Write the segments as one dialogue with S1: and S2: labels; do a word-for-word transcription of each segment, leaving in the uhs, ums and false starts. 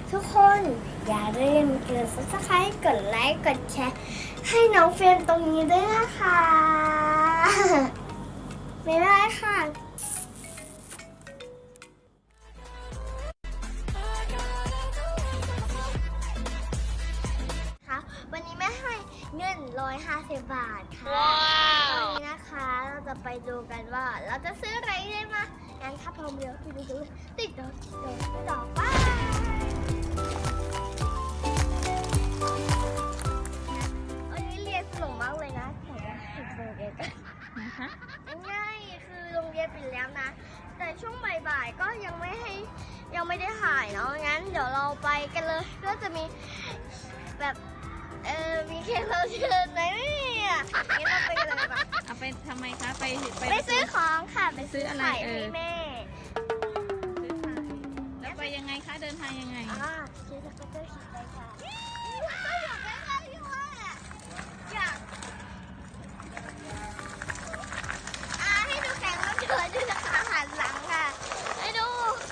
S1: ทุกคนอย่าลืมกด ซับสไครบ์ กดไลค์ กดแชร์ให้น้องเฟรมตรงนี้ด้วยนะคะบ๊ายบายค่ะวันนี้แม่ให้เงินร้อยห้าสิบบาทค่ะวันนี้นะคะเราจะไปดูกันว่าเราจะซื้ออะไรได้มางั้นถ้าพร้อมแล้วไปดูกันติดต่อติดต่อติดต่อไปวันนี้เรียนสนุกมากเลยนะแต่ว่าติดโรงเรียนง่ายคือโรงเรียนปิดแล้วนะแต่ช่วงบ่ายๆก็ยังไม่ให้ยังไม่ได้ถ่ายเนาะงั้นเดี๋ยวเราไปกันเลยก็จะมีแบบเออมีแขกรับเชิญไหมเนี่ยงั้นเราไปกันเลยปะ
S2: เอาไปทำไมคะไปไป
S1: ไปซื้อของค่ะไปซื้ออะไร
S2: เออ
S1: แม่
S2: ซื้อไข่แล้วไปยังไงคะเดินทางยังไง
S1: อ่าซื้อสกูตเตอร์ขี่ไปค่ะก็อยากได้อะไรอยู่อ่ะอยากอ่าให้ดูแขกรับเชิญด้วยนะคะหันหลังค่ะให้ดู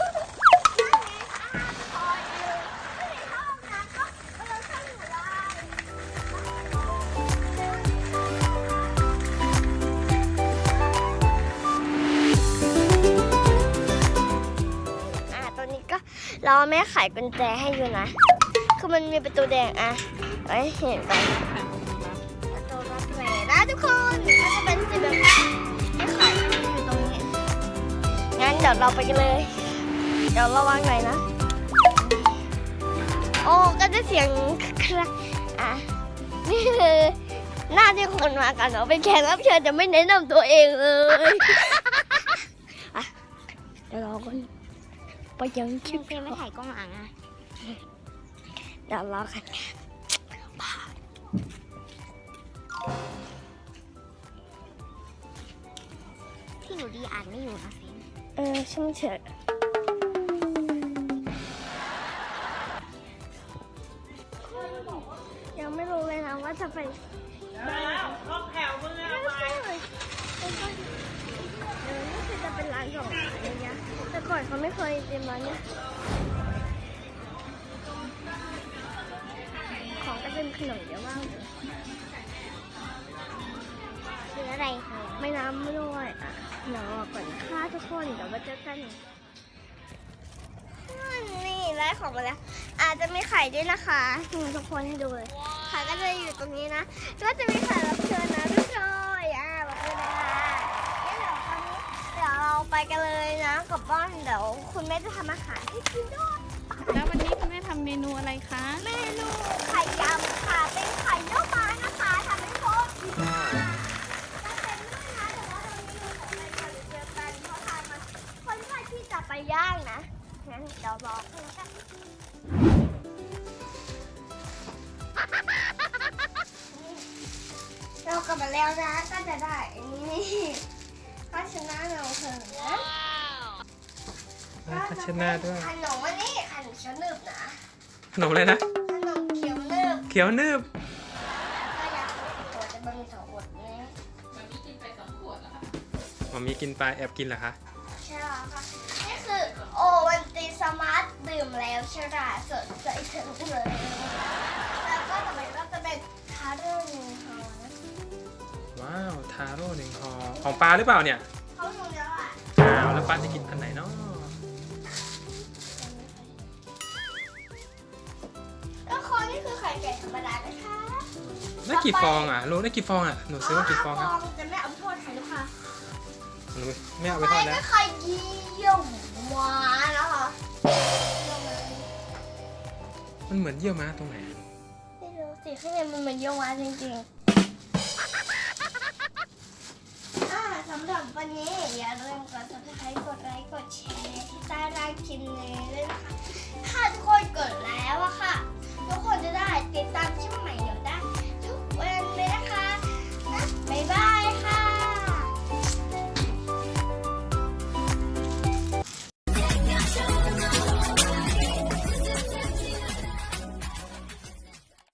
S1: เราแม่ไขกุญแจให้อยู่นะคือมันมีประตูแดงอะไว้เห็นกันประตูรับแหวนนะทุกคนก็จะเป็นสีแบบไม่ไขอยู่ตรงนี้งั้นเดี๋ยวเราไปกันเลยเดี๋ยวระวังหน่อยนะโอ้ก็จะเสียงครักอ่ะนี่คือหน้าที่คนมากันเนาะเป็นแขกรับเชิญจะไม่แนะนำตัวเองเลยอ่ะเดี๋ยวรอก่อนไปยังคลิปไม่ถ่ายกล้องหลังอ่ะเดี๋ยวรอกันที่หนูดีอ่านไม่อยู่นะเฟนเออช่างเถอะยังไม่รู้เลยนะว่าจะไป
S2: ห้องแถวมึงอะไร
S1: เออนี่คือจะเป็นร้านของอะไรเงี้ยแต่ก่อนเขาไม่เคยเต็มร้านเนี้ยของก็เป็นขนมเยอะมากเลยซื้ออะไรคะไม่น้ำไม่ด้วยอ่ะเดี๋ยวก่อนค่ะทุกคนเดี๋ยวมาเจอกันนี่ได้ของมาแล้วอาจจะมีไข่ด้วยนะคะทุกคนให้ดูเลยไข่ก็จะอยู่ตรงนี้นะก็จะมีไข่รับเชิญนะทุกคนอ่ะบอกเลยนะคะเดี๋ยวตอนนี้เดี๋ยวเราไปกันเลยนะกับบ้านเดี๋ยวคุณแม่จะทำอาหารให้กินด้วย
S2: แล้ววันนี้คุณแม่ทำเมนูอะไรคะ
S1: เมนูไข่ยำค่ะเป็นไข่เยี่ยวม้านะคะทำให้โคตรดีมากจะเป็นด้วยนะแต่ว่าตอนนี้เราขอไปก่อนเจอกันเพราะทางมันค่อนข้างที่จะไปย่างนะงั้นเดี๋ยวรอกันแล้วกันเรากลับมาแล้วนะก็จะได้อันนี้ภาชนะเราเถอะนะ
S3: ภาชนะด้วย
S1: ขนมวันนี้ขนมเขียวนึบนะ
S3: ขนมอะไรนะ
S1: ขนมเขียวนึบ
S3: เขียวนึบ
S1: ก็อยากตัวจะบะหมี่สองขวดนี้
S2: มันมีกินไปสองขวดแล้วค่ะ
S3: มันมีกินไปแอบกินเหรอคะ
S1: ใช่แล้วค่ะนี่คือโอวันติสมาร์ทดื่มแล้วฉลาดสดใสถึงเลยแล้วก็ต่อไปก็จะเป็นทาโร่หนึ่งห่อนะ
S3: ว้าวทาโร่หนึ่งห่อของปลาหรือเปล่าเนี่ย
S1: เขาหนูแล้วอ่ะ
S3: อ้าวแล้วปลาจะกินอันไหนเนาะ
S1: แล้วคอนี่คือไข่ไก่ธรรมดานะคะ
S3: ได้กี่ฟองอ่ะรู้ได้กี่ฟองอ่ะหนูซื้อมากี่ฟองครับ
S1: จะไม่เอาไปทอดไข่ลูกค้า
S3: หนูไม่เอาไปทอดนะ
S1: ไม่ไข่เยี่ยวม้าแล้วเหรอ
S3: มันเหมือนเยี่ยวม้าตรงไหน
S1: ไม่รู้สิข้างในมันเหมือนเยี่ยวม้าจริงๆอ่าสำหรับวันนี้อย่าลืมกด ซับสไครบ์ กดไลค์กดแชร์ที่ใต้ล่างคลิปนี้ด้วยนะคะถ้าทุกคนกดแล้วอะค่ะทุกคนจะได้ติดตามช่องใหม่